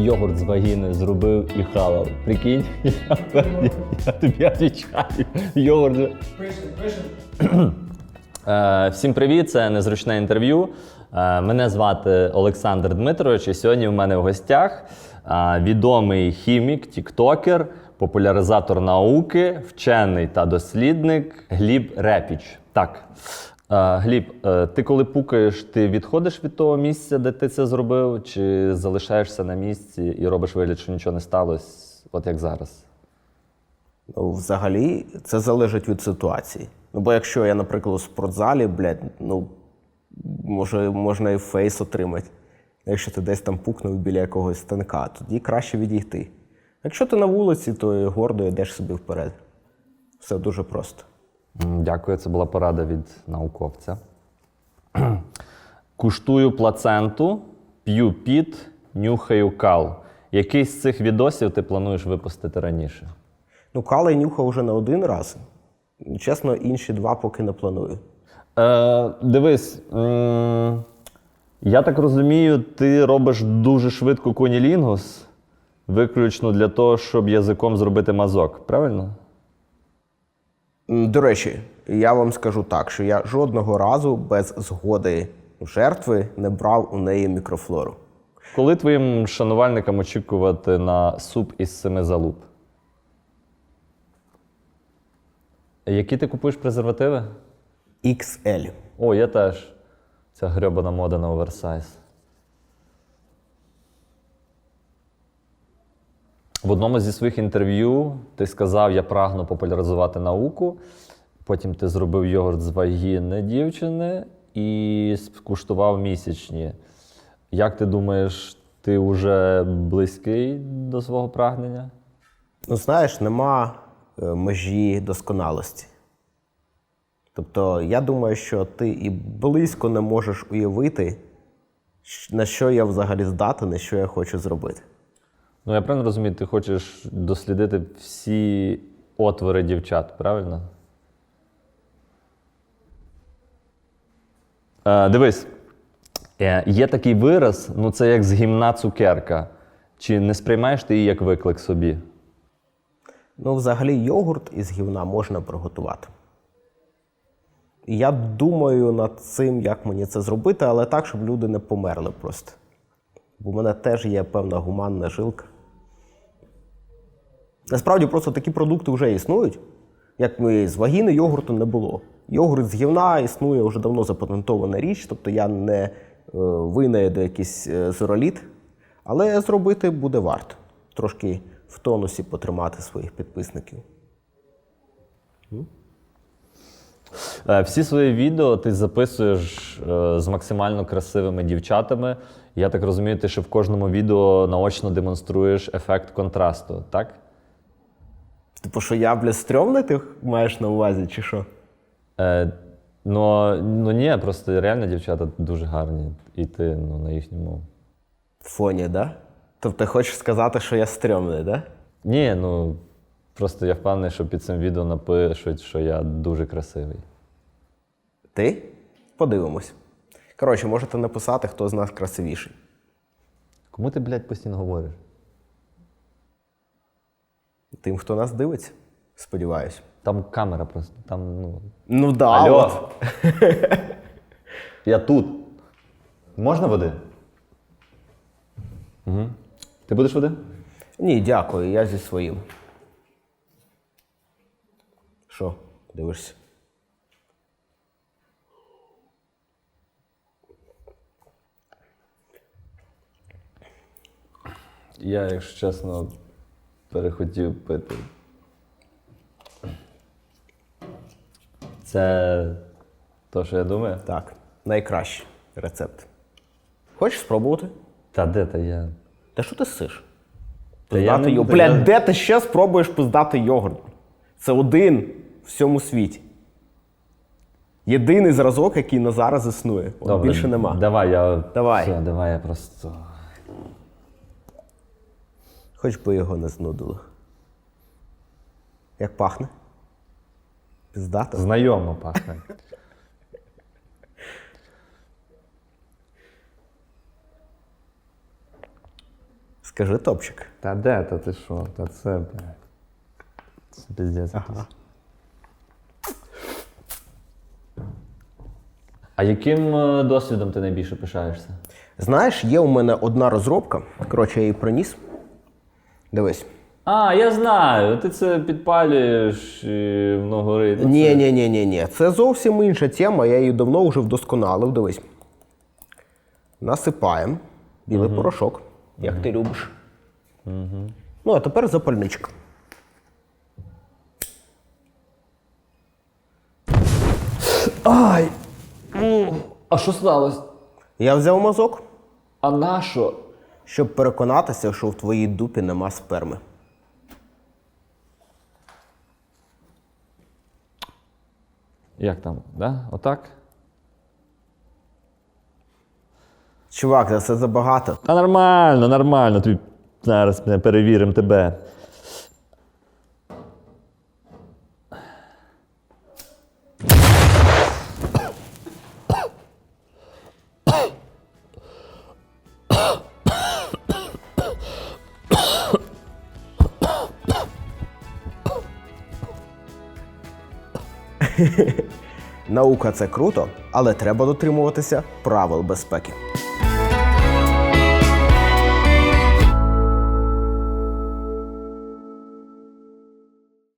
йогурт з вагіни зробив і хавав. Прикинь, я тобі відповідаю. Йогурт. Пишем. Всім привіт, це Незручне інтерв'ю. Мене звати Олександр Дмитрович, і сьогодні в мене в гостях відомий хімік, тіктокер, популяризатор науки, вчений та дослідник Гліб Репіч. Так, Гліб, ти коли пукаєш, ти відходиш від того місця, де ти це зробив, чи залишаєшся на місці і робиш вигляд, що нічого не сталося, от як зараз? Ну, взагалі, це залежить від ситуації. Ну, бо якщо я, наприклад, у спортзалі, можна і фейс отримати. Якщо ти десь там пукнув біля якогось станка, тоді краще відійти. Якщо ти на вулиці, то гордо йдеш собі вперед. Все дуже просто. Дякую, це була порада від науковця. Куштую плаценту, п'ю піт, нюхаю кал. Який з цих відосів ти плануєш випустити раніше? Ну, кал я нюхав вже не один раз. Чесно, інші два поки не планую. Дивись, я так розумію, ти робиш дуже швидко кунілінгус, виключно для того, щоб язиком зробити мазок, правильно? До речі, я вам скажу так, що я жодного разу без згоди жертви не брав у неї мікрофлору. Коли твоїм шанувальникам очікувати на суп із 7 залуп? Які ти купуєш презервативи? XL. О, я теж. Ця грьобана мода на оверсайз. В одному зі своїх інтерв'ю ти сказав, я прагну популяризувати науку. Потім ти зробив йогурт з вагіни дівчини і скуштував місячні. Як ти думаєш, ти вже близький до свого прагнення? Ну, знаєш, нема межі досконалості. Тобто, я думаю, що ти і близько не можеш уявити, на що я взагалі здатен, і що я хочу зробити. Ну, я правильно розумію, ти хочеш дослідити всі отвори дівчат, правильно? Дивись, є такий вираз, ну це як з гімна цукерка. Чи не сприймаєш ти її як виклик собі? Ну, взагалі, йогурт із гівна можна приготувати. І я думаю над цим, як мені це зробити, але так, щоб люди не померли просто. Бо в мене теж є певна гуманна жилка. Насправді, просто такі продукти вже існують. Як ми з вагіни йогурту не було. Йогурт з гівна існує вже давно запатентована річ, тобто я не винайду якийсь зероліт, але зробити буде варто. Трошки в тонусі потримати своїх підписників. Всі свої відео ти записуєш з максимально красивими дівчатами. Я так розумію, ти ще в кожному відео наочно демонструєш ефект контрасту, так? Типу, що я, стрьомний ти маєш на увазі, чи що? Ну ні, просто реально дівчата дуже гарні. І ти на їхньому... Фоні, да? Тобто ти хочеш сказати, що я стрьомний, да? Ні, просто я впевнений, що під цим відео напишуть, що я дуже красивий. Ти? Подивимось. Коротше, можете написати, хто з нас красивіший. Кому ти, блядь, постійно говориш? Тим, хто нас дивиться, сподіваюсь. Там камера просто, там, Ну да, Алло. от. Я тут. Можна води? Угу. Ти будеш води? Ні, дякую, я зі своїм. Що, дивишся? Я, якщо чесно, перехотів пити. Це то, що я думаю? Так, найкращий рецепт. Хочеш спробувати? Та де та я? Та що ти сиш? Та я не буду, Блядь, я- де ти ще спробуєш пиздати йогурт? Це один в всьому світі. Єдиний зразок, який на зараз існує. От Добре, більше нема. Давай, Давай. Все, давай я просто... Хоч би його не знудило. Як пахне? Пиздато? Знайомо пахне. Кажи топчик. Та де, та ти що? Та це, блядь. Це піздець. Ага. А яким досвідом ти найбільше пишаєшся? Знаєш, є у мене одна розробка. Коротше, я її приніс. Дивись. А, я знаю, ти це підпалюєш і воно горить. Ні. Це зовсім інша тема, я її давно вже вдосконалив. Дивись. Насипаємо білий порошок, як ти любиш. Ну, а тепер запальничка. Ай! А що сталося? Я взяв мазок, А на що? щоб переконатися, що в твоїй дупі нема сперми. Як там, да? Отак? Чувак, це забагато. Та нормально. Тобі зараз ми перевіримо тебе. Наука – це круто, але треба дотримуватися правил безпеки.